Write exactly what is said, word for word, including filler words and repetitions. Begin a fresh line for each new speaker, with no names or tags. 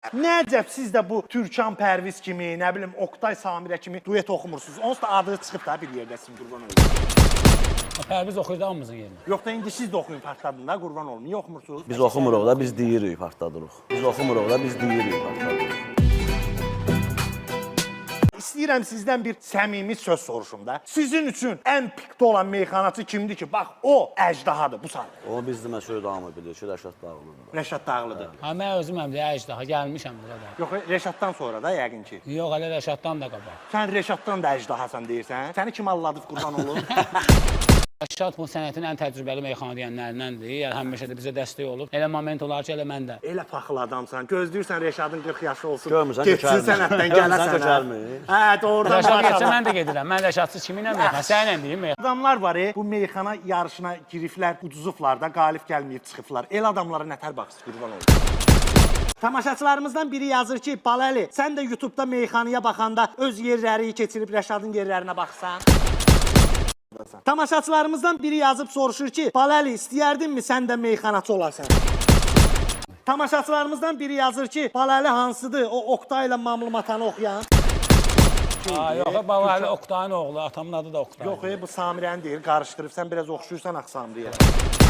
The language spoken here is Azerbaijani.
Nəcəb siz də bu Türkan Pərviz kimi, nə bilim Oktay Samirə kimi duet oxumursunuz. Onsuz da adı çıxıb da bir yerdə sizin qurban olun.
Pərviz oxuyurdu hamımızın yerinə.
Yox da indi siz də oxuyun partladın da qurban olun. Niyə oxumursunuz?
Biz oxumuruq da, biz deyirik partladırıq. Biz oxumuruq da, biz deyirik partladırıq.
İstəyirəm sizdən bir səmimi söz soruşum da. Sizin üçün ən pikdə olan meyxanaçı kimdir ki? Bax, o əjdahadır bu saat.
O biz demə söz davamı bilir ki, Rəşad Dağlıdır.
Rəşad Dağlıdır.
Ha, mən özüm həm də əcdaha gəlmişəm bura da.
Yox, Rəşaddan sonra da yəqin ki.
Yox, hələ Rəşaddan da qabaq.
Sən Rəşaddan da əjdahasan deyirsən. Səni kim alladıb qurban olur?
Rəşad bu sənətin ən təcrübəli meyxana deyənlərindəndir. Yəni həmişə də bizə dəstək olub. Elə moment olar ki, elə mən də.
Elə paxıl adamsan. Gözləyirsən Rəşadın qırx yaşı olsun.
Görmürsən,
getsin sənətdən gələsən.
Kökəlmir.
Hə, doğrudan
Rəşad getsə
başladı.
mən də gedirəm. Mən Rəşadsız kiminlə meyxana? Səninlə deyim meyxana.
Adamlar var, e, bu meyxana yarışına giriflər, uduzublar da, qalib gəlməyib çıxıblar. El adamlara nətər baxsın, qurban olsun. Tamaşaçılarımızdan biri yazır ki, Baləli, sən də YouTube'da meyxanaya baxanda öz yerləri keçirib Rəşadın yerlərinə baxsan. Tamaşaçılarımızdan biri yazıb soruşur ki, Baləli, istəyərdinmi sən də meyxanaçı olasan? Tamaşaçılarımızdan biri yazır ki, Baləli hansıdır? O Oktay ilə Mamlı Matanı oxuyan.
Ha, yox, Baləli Oktayın oğlu, atamın adı da Oktay.
Yox, e, bu Samirəni deyir, qarışdırıb, sən biraz oxşuyursan Axsamriyə.